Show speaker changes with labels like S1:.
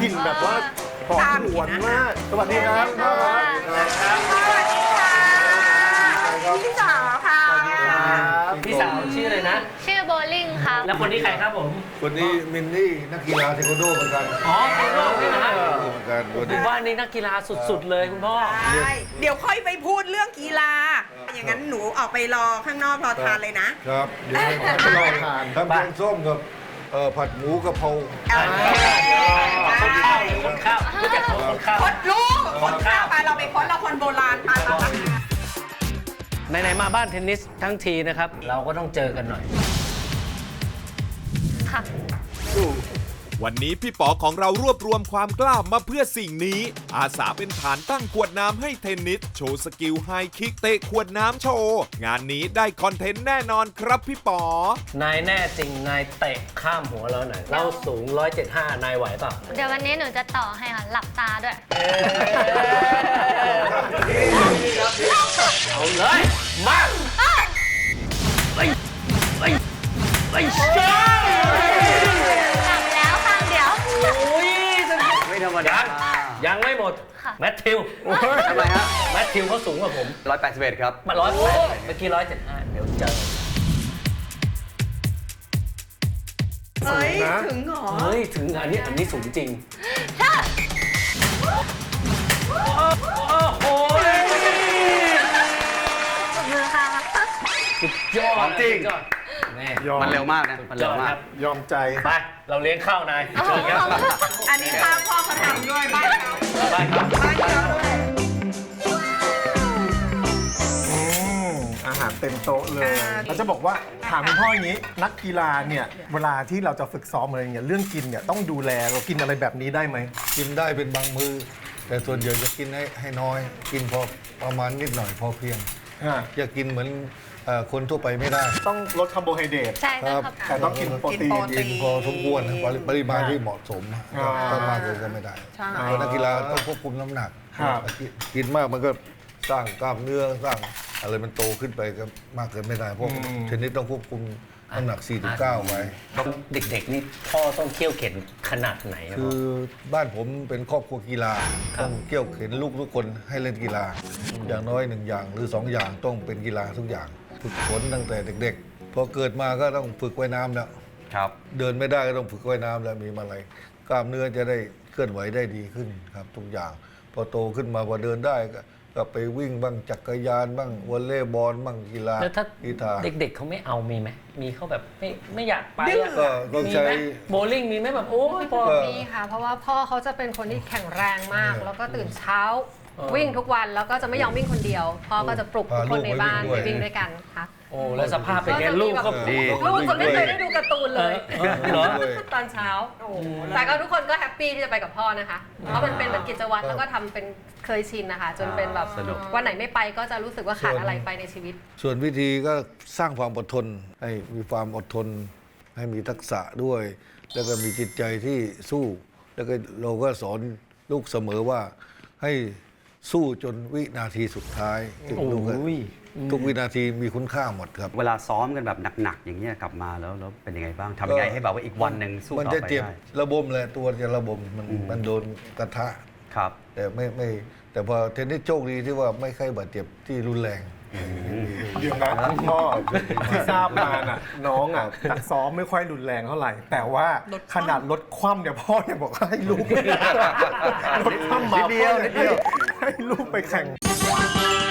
S1: กลิ่นแบบว่าหอมหวนมากสวัสดีครับพ่อครับ
S2: สวัสดีค่ะพี่สาวค่ะ
S3: พี่สาวชื่ออะไรนะ
S4: ชื่อโบลิ่งครับ
S3: แล้วคนนี้ใครครับผม
S5: คนนี้มินนี่นักกีฬาเทควันโดเหมือนกัน
S3: อ๋อเทโร่นี่นะฮะ
S5: เหมือนกันคน
S3: ผ
S5: นี้
S3: มว่านี่นักกีฬาสุดๆเลยคุณพ่อ
S2: ใช่เดี๋ยวค่อยไปพูดเรื่องกีฬา อย่างนั้นหนูออกไปรอข้างนอกรอทานเลยนะครับ
S5: เดี๋ยวให้ลองทานทำแกงส้มกับผัดหมูกะเพรา
S3: คนข้าวหรือคนข้าวรู้จักคนข้าว
S2: คดลูกคนข้าวไปเราไปค้นเราคนโบราณไป
S3: ไหนๆมาบ้านเทนนิสทั้งทีนะครับ เราก็ต้องเจอกันหน่อย
S4: ค่ะ
S6: วันนี้พี่ป๋อของเรารวบรวมความกล้ามาเพื่อสิ่งนี้ อาสาเป็นฐานตั้งขวดน้ำให้เทนนิสโชว์สกิลไฮคิกเตะขวดน้ำโชว์งานนี้ได้คอนเทนต์แน่นอนครับพี่ป๋อ
S3: นายแน่จริงนายเตะข้ามหัวเราหน่อยเราสูง 175 นายไหวเปล่า
S4: เดี๋ยววันนี้หนูจะต่อให้ค่ะ หลับตาด้วย
S3: เอาเลยมาไปเจ้า
S4: หลับแล้วข้างเดียว
S3: โอ้ย
S7: ไม่ธรรมดา
S3: ยังไม่หมด
S4: ค่ะ
S3: แมทธิว
S7: ทำไมฮะ
S3: แมทธิวเขาสูงกว่าผม
S7: 181 ครับ
S3: มา108เมื่อกี้175เดี๋ยวเจอ
S2: เฮ้ยถึงเหรอ
S3: เฮ้ย ถึงอันนี้สูงจริง โอ้โห
S4: มือค่ะ
S3: สุดยอด
S7: จริง
S3: สุดยอดแม่
S1: ยอม
S7: มันเร็วมากนะ มันเร็วมาก
S1: ยอมใจ
S3: ไป เราเลี้ยงข้าวนายเชิญครับ
S2: อันนี้ข้าวพ่อเขาทำด้วยบ้านเขา
S3: ไปครับ
S2: บ้านเขาด้วย
S1: อาหารเต็มโต๊ะเลยเราจะบอกว่าถามคุณพ่ออย่างนี้ นักกีฬาเนี่ยเวลาที่เราจะฝึกซ้อมอะไรอย่างเงี้ยเรื่องกินเนี่ยต้องดูแลเรากินอะไรแบบนี้ได้ไหม
S5: กินได้เป็นบางมือ แต่ส่วนใหญ่จะกินให้น้อย กินพอประมาณนิดหน่อยพอเพียง อย่ากินเหมือนคนทั่วไปไม่ได้
S1: ต้องลดคาร์โบไฮเดรต
S4: ใช่ต้องครับ
S1: แต่ต้องกินโปรตีน
S5: กินพอสมควรนะปริมาณที่เหมาะสม
S1: อ่า
S5: ถ้ามากเกินก็ไม่ได้
S2: ใช่
S5: เพราะนักกีฬาต้องควบคุมน้ำหนัก
S1: ครับ
S5: กินมากมันก็สร้างกล้ามเนื้อสร้างอะไรมันโตขึ้นไปก็มากเกินไม่ได้เพราะเทนนิสต้องควบคุมน้ำหนัก 4-9 ไว้
S3: เด็กๆนี่พ่อต้องเคี่ยวเข็นขนาดไหนอะ
S5: คือบ้านผมเป็นครอบครัวกีฬา
S3: ครับ
S5: ต้องเกี่ยวเข็นลูกทุกคนให้เล่นกีฬา อย่างน้อย1อย่างหรือ2อย่างต้องเป็นกีฬาทุกอย่าง ฝึกฝนตั้งแต่เด็กๆ พอเกิดมาก็ต้องฝึกว่ายน้ำแล้ว
S7: ครับ
S5: เดินไม่ได้ก็ต้องฝึกว่ายน้ำแล้วมีมาลัยกล้ามเนื้อจะได้เคลื่อนไหวได้ดีขึ้นครับทุกอย่าง พอโตขึ้นมาพอเดินได้ก็ไปวิ่งบ้างจักรยานบ้างวอลเลย์บอลบ้างกีฬา
S3: แล้วถ้า
S5: กีฬา
S3: เด็กๆเขาไม่เอามีไหมมีเขาแบบไม่อยากไป
S2: ดื้อ
S3: อะ
S5: ก็ต้อง
S3: มี
S5: ใช้
S3: ไหมโบลิ่งมีไหมแบบโอ้ยพอ
S5: ก็
S8: มีค่ะ เพราะว่าพ่อเขาจะเป็นคนที่แข็งแรงมาก แล้วก็ตื่นเช้า
S3: เออ
S8: วิ่งทุกวันแล้วก็จะไม่ยอมวิ่งคนเดียว พ่อก็จะปลุกทุกคนในบ้าน
S5: พาลูก
S8: ไป
S5: ไปวิ่
S8: วิ่
S5: ง
S8: ง
S5: ด้วย
S8: ด้วยกันค่ะ
S3: โอ้แล้วสภาพเป็นไงลูกก็
S7: ดี
S8: ลูกจะไม่เคยได้ดูการ์ตูนเลย
S3: เหรอ
S8: ตอนเช้า แต่ก็ทุกคนก็แฮปปี้ที่จะไปกับพ่อนะคะ เพราะมันเป็นเหมือนกิจวัตรแล้วก็ทำเป็นเคยชินนะคะ จนเป็นแบบ
S7: สนุก
S8: วันไหนไม่ไปก็จะรู้สึกว่าขาดอะไรไปในชีวิต
S5: ส่วนวิธีก็สร้างความอดทนให้มีความอดทน ให้มีทักษะด้วย แล้วก็มีจิตใจที่สู้ แล้วก็เราก็สอนลูกเสมอว่าให้สู้จนวินาทีสุดท้ายถึงลูกก็
S3: โอ้ย
S5: ทุกวินาทีมีคุณค่าหมดครับ
S7: เวลาซ้อมกันแบบหนักๆ อย่างเงี้ยกลับมาแล้วเป็นยังไงบ้างทำยังไงให้แบบว่าอีกวันหนึ่งสู้
S5: มัน
S7: ต่อ
S5: จะ
S7: ไป
S5: เจ็บ
S7: ได้
S5: ระบมเลยตัวจะระบมมันโดนกระทะ
S7: ครับ
S5: แต่ไม่แต่พอเทนนิสโชคดีที่ว่าไม่ค่อยบาดเจ็บที่รุนแรง
S1: เดี๋ยวนะคุณพ่อที่ทราบมาน่ะน้องอ่ะจากซ้อมไม่ค่อยรุนแรงเท่าไหร่ แต่ว่าขนาดลดคว่ำเนี่ยพ่อยังบอกให้ลูกลดคว่ำมา
S7: นิดเดียว
S1: พ่อ
S7: นิดเดียว
S1: ให้ลูกไปแข่ง